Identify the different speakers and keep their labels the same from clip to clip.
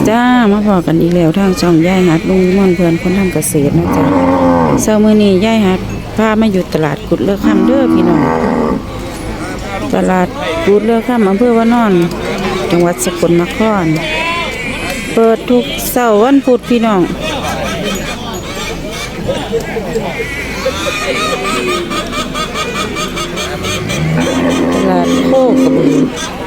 Speaker 1: จ้ามาพอกันอีกแล้วทางช่องย่ายหัดลุงม่อนเพื่อนคนทำเกษตรนะจ๊ะเช้ามื้อนี้ย่ายหัดพามาอยู่ตลาดกุดเลือกค่ำเด้อพี่น้องตลาดกุดเลือกค่ำอำเภอวานอนจังหวัดสกลนครเปิดทุกเสาร์วันพุธพี่น้องตลาดโคกระบือ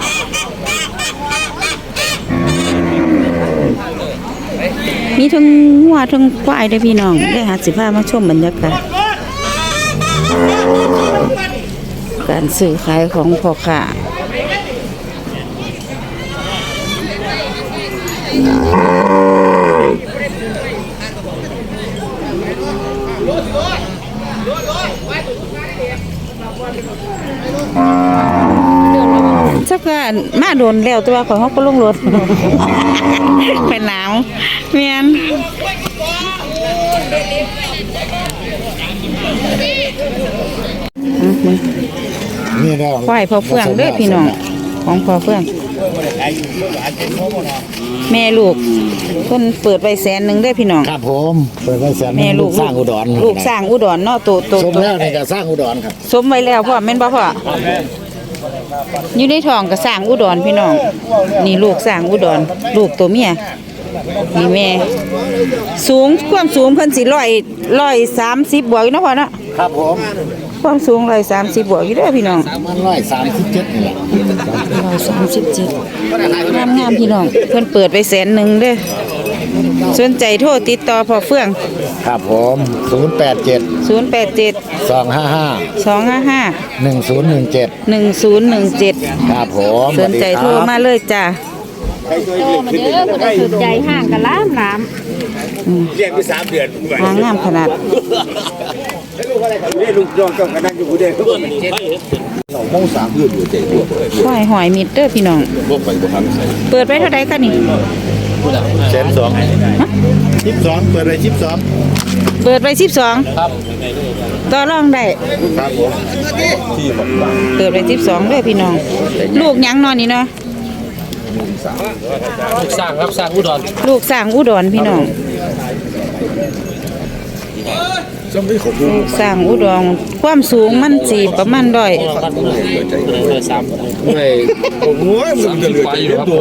Speaker 1: มีทั้งวัวทั้งควายได้พี่น้องได้หาสิพามาชมบรรยากาศการซื้อขายของพ่อค้าสักการมาโดนแล้วตัวของเขาก็ลงรถเป็นหนาวเมียน
Speaker 2: นี่แล้ว
Speaker 1: ควายพอเฟืองเด้อพี่น้องของพอเฟืองแม่ลูกเพิ่นเปิดไว้100,000เด้อพี่น้อง
Speaker 2: ครับผมเปิดไว้แสน
Speaker 1: แม่ลูก
Speaker 2: สร้างอุดร
Speaker 1: ลูกสร้างอุดรเนาะโต
Speaker 2: สมแล้วนี่ก็สร้างอุดรครับ
Speaker 1: สมไว้แล้วพ่อแม่นบ่พ่ออยู่ในท้องก็สร้างอุดรพี่น้องนี่ลูกสร้างอุดรลูกตัวเมียนี่แม่สูงความสูงเพิ่นสิ130บวกอยู่เนาะพ่อเนาะ
Speaker 2: ครับผม
Speaker 1: ความสูง130บวกอยู่เด้อพี่น้อง
Speaker 2: มัน137นี่แหละ
Speaker 1: 137งามๆพี่น้องเพิ่นเปิดไว้100,000เด้อสนใจโทรติดต่อพ่อเฟื่อง
Speaker 2: ครับผม087
Speaker 1: 255
Speaker 2: 1017
Speaker 1: 1017
Speaker 2: ครับผม
Speaker 1: สนใจโทรมาเลยจ้า
Speaker 3: โตมาเด้อคนสนใจห่างกันล้าม
Speaker 4: เรียกไป3 เดือน
Speaker 1: หางามขนาด
Speaker 4: ลูกน้องเจ้าก็นั่งอยู่ผู้เดียวเรามอง3 เดือนอยู่เจ๊
Speaker 1: ควายหอยมิดเด้อพี่น้องเปิดไว้เท่าใดคะนี่
Speaker 2: 12เปิดไว้12
Speaker 1: เปิดไว้12ครับต่อรองได้
Speaker 2: ครับผม
Speaker 1: เปิดไว้12เด้อพี่น้องลูกหยังนอนนี่เนาะ
Speaker 4: ลูกสร้างครับสร้างอุดร
Speaker 1: ลูกสร้างอุดรพี่น้องลูกสร้างอุดรความสูงมันสิประมาณ130
Speaker 4: ไม่ผมว่ามันจะเหลืออยู่ครับ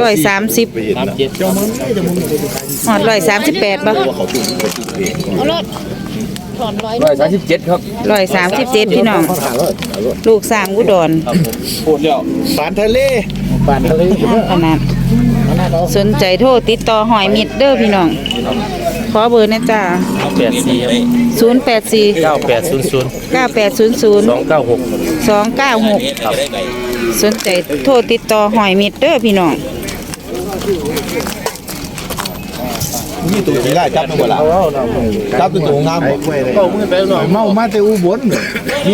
Speaker 1: ฮอด138บ่
Speaker 3: เอารถถอน
Speaker 4: 137ครับ
Speaker 1: 137พี่น้องลูกสร้างอุดร
Speaker 4: พูดแล้ว
Speaker 2: ปานทะเล
Speaker 1: ขนาดสนใจโทรติดต่อหอยมิดเด้อพี่น้องขอเบอร์นะจ้า084
Speaker 4: 9800
Speaker 1: 296สนใจโทรติดต่อหอยมิดเด้อพี่น้อง
Speaker 2: นี่ตัวสีได้จับมาบ่ล่ะจับตัวงามเมามาแต่อุบล